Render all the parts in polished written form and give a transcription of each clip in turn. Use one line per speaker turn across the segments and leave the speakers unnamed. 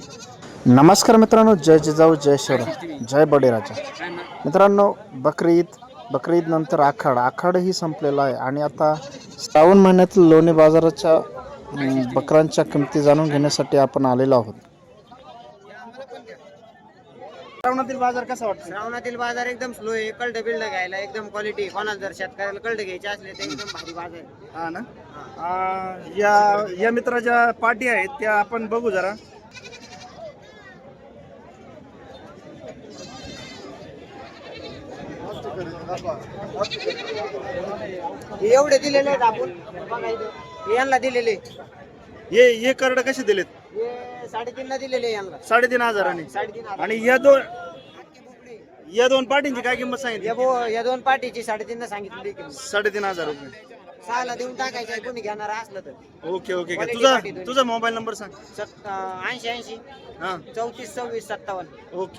नमस्कार मित्रांनो, जय जिजाऊ जय शिवराय जय बळीराजा. मित्रांनो, बकरी ईद नंतर आखाडही संपलेला आहे आणि आता श्रावण महिन्यातील लोणी बाजाराच्या बकरांच्या किमती जाणून घेण्यासाठी आपण आलेलो आहोत. श्रावणातील बाजार कसा वाटतो?
श्रावणातील बाजार एकदम स्लो आहे. कल्ट बिल्ड घ्यायला एकदम क्वालिटी. कोणाला जर शेतकऱ्याला कल्ट घ्यायचे असले तर एकदम भारी बाजार आहे.
हा ना. या मित्राच्या पार्टी आहेत त्या आपण बघू जरा.
हे एवढे दिलेले आहेत आपण बघा इथं. हे यांना दिलेले
हे करड कसे दिलेत?
हे 3.5 ला दिलेले यांना
3,500 आणि
3.5
आणि या दोन पार्टींची काय किंमत सांगितली?
या दोन पार्टीची 3.5 ला सांगितली किंमत.
3,500 रुपये.
6 ला देऊन टाकायचं कोणी घेणार असलं तर.
ओके.
Quality पार्टी दोन्ही.
तुझा मोबाईल नंबर सांग.
80
हा
34 26 57.
ओके.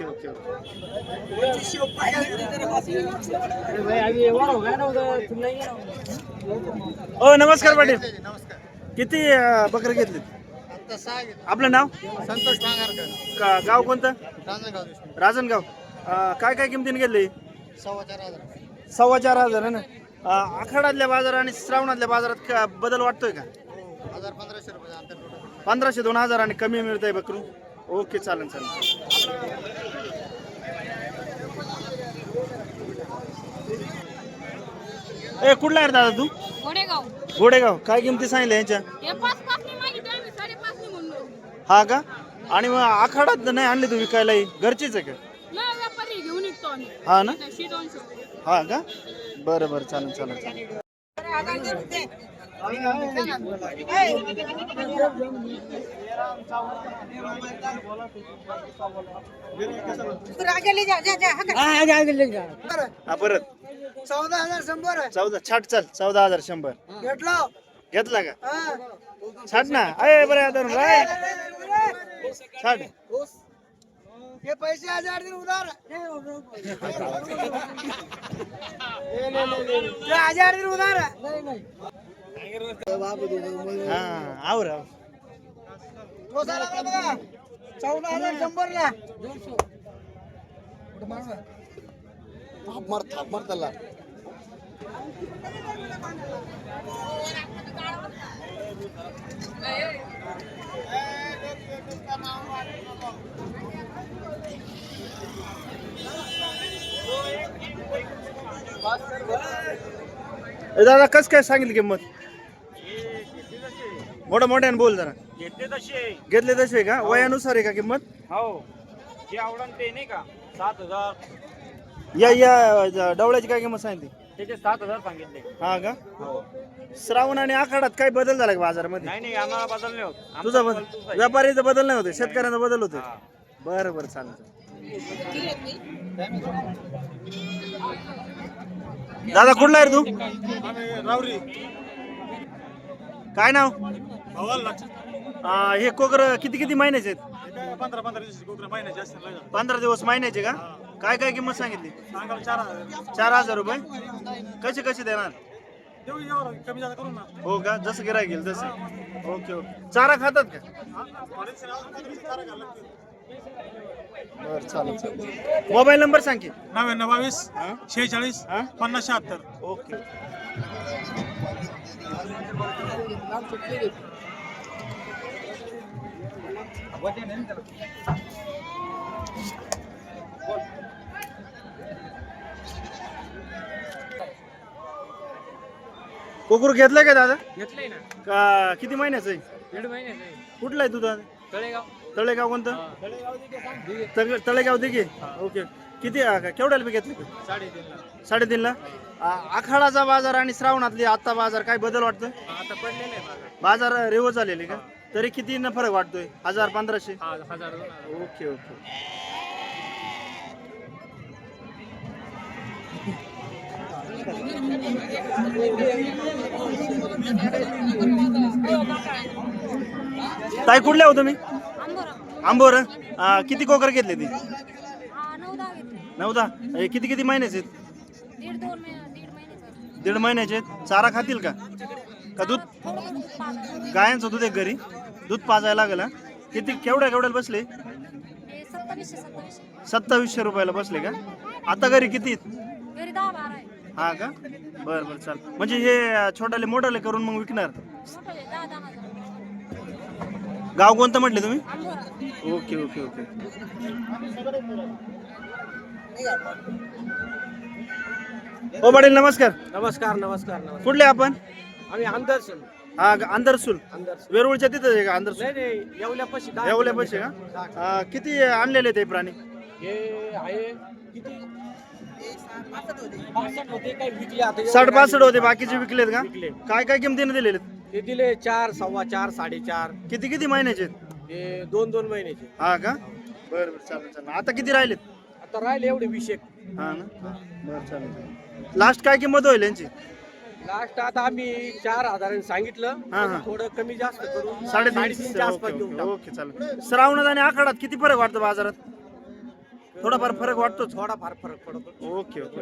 नमस्कार पाटील. किती बकरे घेतले? आपलं नाव?
संतोष ठांगारकर.
गाव कोणतं?
रांजणगाव.
राजनगाव. काय किमतीने घेतले?
4,500.
4,500 आहे ना. आखाडातल्या बाजार आणि श्रावणातल्या बाजारात बदल वाटतोय का?
1,000-1,500 रुपये अंतर.
1,500-2,000 आणि कमी मिळत आहे बकरू. ओके, चालेल. कुठला आहे दादा तू? घोडेगाव. काय किमती सांगितल्या यांच्या? हा का? आणि मग आखाडात नाही आणले तू विकायलाही? घरचीच आहे का? हा ना. हा का? बरं, चालेल. परत
14,100.
छाट चल. 14,100 घेतला का? छाट ना. बरं धरून छाट.
हे पैसे 1,000 दिन उधार. 1,000 दिन उधार.
हा आवर.
14,100 ला. थाप मार त्याला.
दादा कस काय सांगितली किंमत? मोठ्याने बोल जरा. घेतले तसे का? वयानुसार आहे का किंमत?
हो, जे आवडन ते नाही का 7,000.
या डवळ्याची काय किंमत सांगितली?
त्याचे 7,000 सांगितले.
हा का?
हो.
श्रावण आणि आखाडात काय बदल झाला का बाजारामध्ये?
नाही आम्हाला बदल नाही होत.
तुझा बदल? व्यापारीचा बदल नाही होते, शेतकऱ्यांचा बदल होते. बरं चालेल. दादा कुठला आहे तू?
रावरी.
काय नाव? हे कोकर किती महिन्याचे आहेत?
15 दिवस कोकरा महिन्याचे असतील.
15 दिवस महिन्याचे का? काय किंमत सांगितली? 4,000 रुपये. कसे देणार?
कमी जादा करू ना.
हो का? जसं गिरायक येईल तसं. ओके. चारा खातात का? बरं, चालेल. मोबाईल नंबर सांग की.
99 46 50 76.
ओके. कोकरू घेतलाय का दादा?
घेतलंय ना.
का किती महिन्याचं आहे?
1.5 महिन्याचे.
कुठला आहे तुझा? तळेगाव कोणतं? तळेगाव दिघे. ओके. किती केवढ्याला बी घेतले? 3.5 ला. आखाडाचा बाजार आणि श्रावणातली आता बाजार काय बदल वाटतोय?
आता पडलेलं आहे
बाजार रेव झालेले का? तरी किती फरक वाटतोय? 1,000-1,500.
1,000.
ओके. ताई कुठले हो तुम्ही? आंबोर. किती कोकर घेतले ती? 9-10. किती महिन्याचे आहेत? 1.5 महिन्याचे. चारा खातील का? दूध? गायांचं दूध आहे घरी. दूध पाजायला लागेल. किती केवढ्याला बसले? 2700 रुपयाला बसले का? आता घरी किती आहेत?
घरी 10-12 आहे.
हा का? बरं बरं चाल. म्हणजे हे छोटाले मोठाले करून मग विकणार?
मोठाले 10-10
गाव कोणतं म्हटले तुम्ही?
आंबोरा.
Okay okay okay. हो पाटील नमस्कार.
नमस्कार.
कुठले आपण?
आम्ही आमदारसून.
हा अंदरसूल वेरूळच्या तिथं आहे का? अंदरसूल
नाही येवल्यापाशी
येवल्या पैसे का? किती आणलेले ते प्राणी?
हे आहे किती 65 होते काय विकले आता
60-62 होते, बाकीचे विकलेत का?
विकले.
काय किमतीने दिलेले?
ते दिले 4, 4.25, 4.5.
किती महिन्याचे आहेत?
हे 2 महिन्याचे.
हा का? बरं चालेल. आता किती राहिलेत?
आता राहिले एवढे 20.
हा ना. बरं चालेल. लास्ट काय किंमत होईल यांची?
लास्ट आता आम्ही 4,000 सांगितलं.
हा.
थोडं कमी जास्त करून
3.5
आसपास देऊन टाकू.
ओके चालेल. श्रावणात आणि आखाडात किती फरक वाटतो बाजारात? थोडाफार फरक वाटतोच.
थोडाफार फरक पडतो.
Okay okay.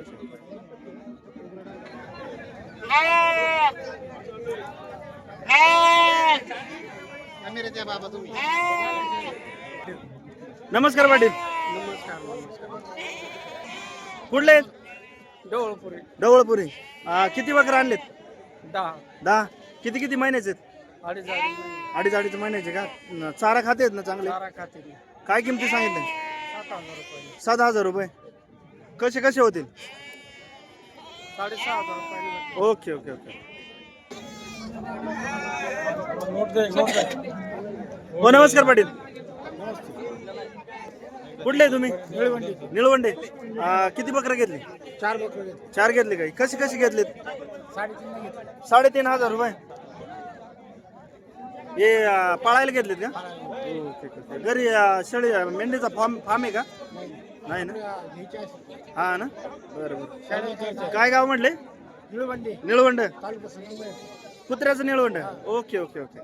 नमस्कार पाटील. कुठले आहेत?
डोळपुरी
डवळपुरी. किती बकरा आणलेत?
10
किती महिन्याचे आहेत?
2.5
अडीच महिन्याचे का? चारा खाते आहेत ना चांगले?
खाते
काय किमती सांगितले?
7,000 रुपये.
7,000 रुपये. कसे होतील?
6,500 रुपये.
Okay okay okay. हो नमस्कार पाटील. कुठले आहे तुम्ही? निळवंडे. किती बकरा घेतली?
4 बकरे.
4 घेतले काही? कशी घेतलीत? 3,500 रुपये. हे पाळायला घेतलेत का? ओके. घरी शेळी मेंढीचा फार्म आहे का? नाही ना. हा ना. बरं. काय गाव म्हटले? निळवंड. कुत्र्याचं निळवंड. Okay okay okay.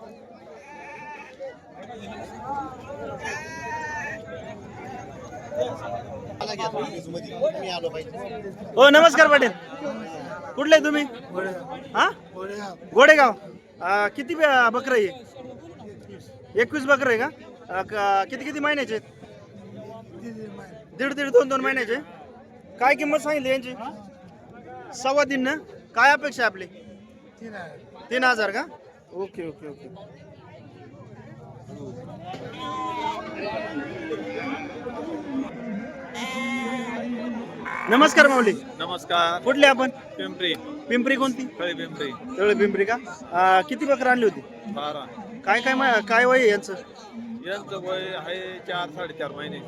हो नमस्कार पाटील. कुठले आहे तुम्ही? हा गोडेगाव. किती बकरं आहे? 21 बकरं आहे का? किती महिन्याचे आहेत? 1.5-2 महिन्याचे. काय किंमत सांगितली यांची? 3.25 ना. काय अपेक्षा आहे आपली? 3,000 का? Okay okay okay. नमस्कार माऊली.
नमस्कार.
कुठले आपण?
पिंपरी
कोणती?
पिंपरी
तळे पिंपरी का? किती बकरं आणली होती?
12.
काय वय आहे यांचं?
यांचं वय आहे 4-4.5 महिने.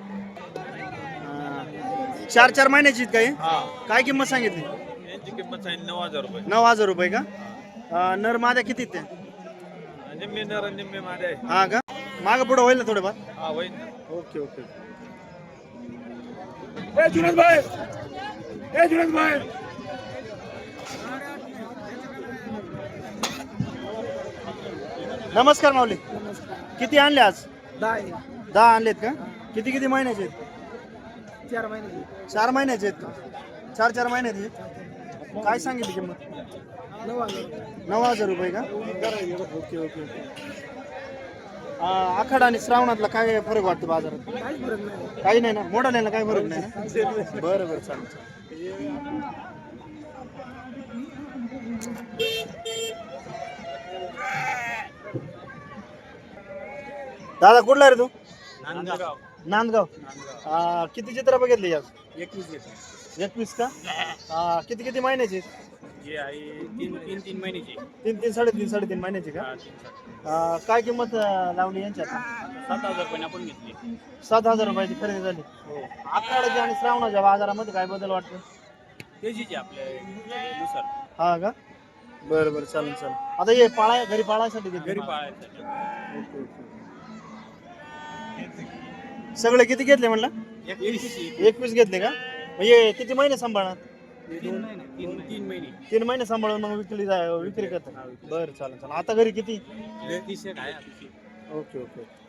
4 महिन्याची आहेत काय?
हा.
काय किंमत सांगितली?
यांची किंमत आहे 9,000 रुपये.
9,000 रुपये का? नर माद्या किती आहेत त्या?
निम्मे नर निम्मे माझे आहे.
हा का? मागं पुढं होईल ना थोडंफार?
हा होईल ना.
Okay okay. नमस्कार माऊली. किती आणले आज? 10 आणलेत का? किती महिन्याचे आहेत?
4 महिने.
4 महिन्याचे आहेत का? 4 महिन्याचे आहेत. काय सांगितली किंमत? 9,000 रुपये का? Okay okay okay. आखाड आणि श्रावणातला काय फरक वाटतो बाजारात? काही नाही ना. मोडाल्याला काय फरक नाही ना? बरं चालेल. दादा कुठला रे तू? नांदगाव. किती चित्र बघितली आज? 21 का? किती महिन्याचे?
जे आहे 3 महिन्याची.
3-3 महिन्याचे का? काय किंमत लावली यांच्यात?
7,000 रुपये आपण घेतली.
7,000 रुपयाची खरेदी झाली. आखाड्याच्या आणि श्रावणाच्या बाजारामध्ये काय बदल वाटतो?
तेजीचे आपल्या नुसार.
हा का? बरं चालेल. आता हे घरी पाळायसाठी घेतले?
घरी पाळायचं.
Okay okay. सगळे किती घेतले म्हणलं? 21 घेतले का? म्हणजे किती महिने सांभाळणार?
3 महिने.
3 महिने सांभाळून मग विक्री करतात. बरं चालेल. आता घरी किती?
30 आहे.
Okay okay.